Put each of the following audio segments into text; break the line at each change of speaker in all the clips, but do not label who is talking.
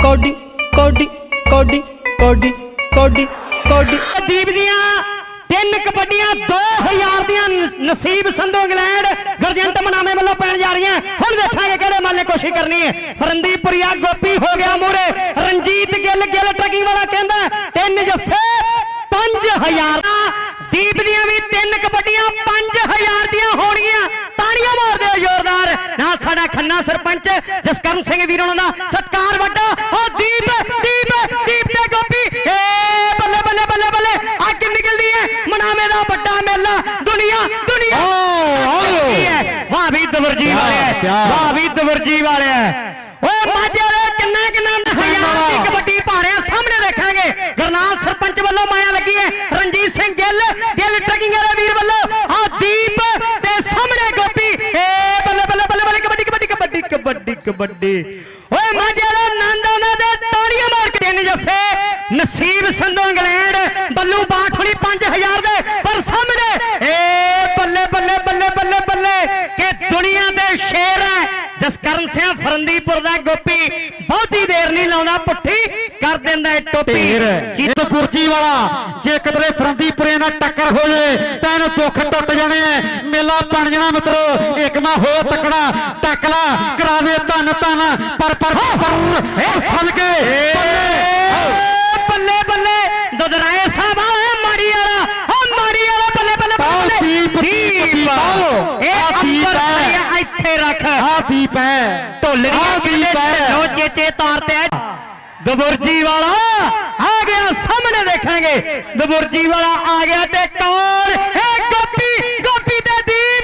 कौडी कौडी कौडी कौडी कौडी कौडी
दीप दियां 3 कबड्डियां 2000 दियां नसीब संधू इंग्लैंड गरजंट मनामे वालों पैन जा रही हैं। हुण देखांगे किहड़े माल ने कोशिश करनी है। फरंदीपुरिया गोपी हो गया मूरे, रंजीत गिल ट्रकिंग वाला कहंदा 3 जफे 5000। दीप दियां भी 3 कबड्डियां 5000 दियां होणगियां। ताड़ियां मार दिओ जोरदार नाल साडा खन्ना सरपंच जसकरण सिंह वीर होणां दा सत्कार वड्डा। ओ दीप दीप दीप ते गोपी बल्ले बल्ले बल्ले बल्ले अग निकलदी है। मनावे दा बड़ा मेला दुनिया दुनिया वाह भी दवरजी वाले, वाह भी दवरजी वाले। ओ माजे दे किन्ना किन्ना 1000 दी कबड्डी पा रहे हैं। सामने देखांगे गरनाल सरपंच वालों माया लगी है। रंजीत सिंह गिल ट्रकिंग वाले वीर वालों आ दीप ते सामने गोपी बल्ले बल्ले बल्ले बल्ले कबड्डी कबड्डी कबड्डी कबड्डी कबड्डी। ओए माजे दे नंद ओना दे ताड़ियां मार के 3 जफे नसीब संधू इंग्लैंड बल्लू बाठ होनी 5000 दे पर सामने बल्ले बल्ले बल्ले बल्ले बल्ले के दुनिया दे शेर है जसकरण सिंह फरंदीपुर दा गोपी। बहुती देर नहीं लाउंदा पुट्ठी कर दिंदा है टोपी।
जीत पुरजी वाला जे कदरे फरंदीपुरे नाल टक्कर हो जाए तां इहनूं दुख टुट जाने मेला बन जाना मित्रो। एक ना हो तकड़ा टकला करा दे धन धन पर सन के
बल्ले बल्ले दुधराए साहब माड़ी वाला बल्ले बल्ले बल्ले इत्थे रख
दीप है
ढोलरियां चेचे तारते दबुरजी वाला आ गया। सामने देखेंगे दबुरजी वाला आ गया ते कौन है गोपी गोपी ते दीप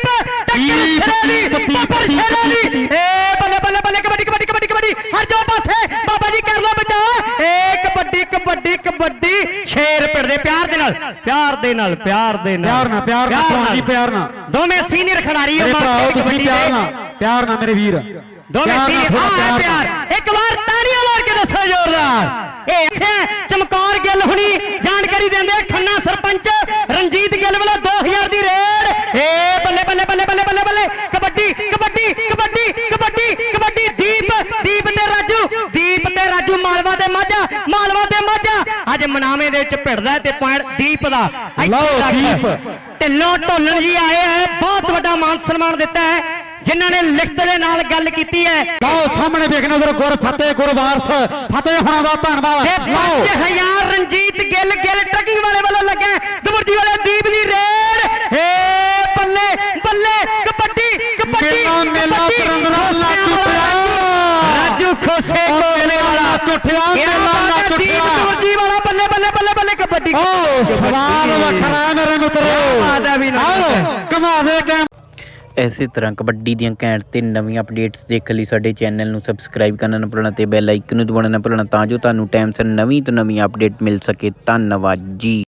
बल्ले बल्ले बल्ले कबड्डी कबड्डी कबड्डी कबड्डी हर जो पासे बाबा जी कर लो बचा कबड्डी कबड्डी कबड्डी। शेर पिड़दे प्यार दे नाल प्यार दे नाल प्यार दे नाल
प्यार ना प्यार ना
दोवें सीनियर खिडारी
प्यार ना मेरे वीर
दोवें सीनियर प्यार। एक बार ताड़ियां मार के दसो जोरदार। ऐसे चमकौर गिल हुनी जानकारी देंदे खन्ना सरपंच रंजीत गिल वाला 2000 दी रेड बल्ले बल्ले बल्ले बल्ले बल्ले बल्ले कबड्डी कबड्डी कबड्डी कबड्डी कबड्डी। दीप दीप ते राजू मालवा दे माझा अज मनावे दे विच भिड़दा ते पॉइंट दीप दा ढिल्लों ढोलन जी आए हैं। बहुत बड़ा मान सम्मान दिता है जिन्होंने लिखत दे नाल गल कीती है।
सामने देखने गुर फतेह गुर वारस फतेह होना दा धन्नवाद।
5000 रंजीत गिल ट्रकिंग वाले वालों लगे दबुरजी वाले दीप दी रेड बल्ले बल्ले कबड्डी कबड्डी राजू खोसे कोले वाला दबुरजी वाला बल्ले बल्ले बल्ले बल्ले कबड्डी।
सवाल वखरा मेरे मित्रों कमा दे।
ਇਸੇ ਤਰ੍ਹਾਂ ਕਬੱਡੀ ਦੀਆਂ ਘੈਂਟ ਤੇ ਨਵੀਆਂ ਅਪਡੇਟਸ ਦੇਖਣ ਲਈ ਸਾਡੇ ਚੈਨਲ ਨੂੰ ਸਬਸਕ੍ਰਾਈਬ ਕਰਨਾ ਨਾ ਭੁੱਲਣਾ ਤੇ ਬੈਲ ਆਈਕਨ ਨੂੰ ਦਬਾਉਣਾ ਨਾ ਭੁੱਲਣਾ ਤਾਂ ਜੋ ਤੁਹਾਨੂੰ ਟਾਈਮ ਸਿਰ ਨਵੀਂ ਤੋਂ ਨਵੀਂ ਅਪਡੇਟ ਮਿਲ ਸਕੇ। ਧੰਨਵਾਦ ਜੀ।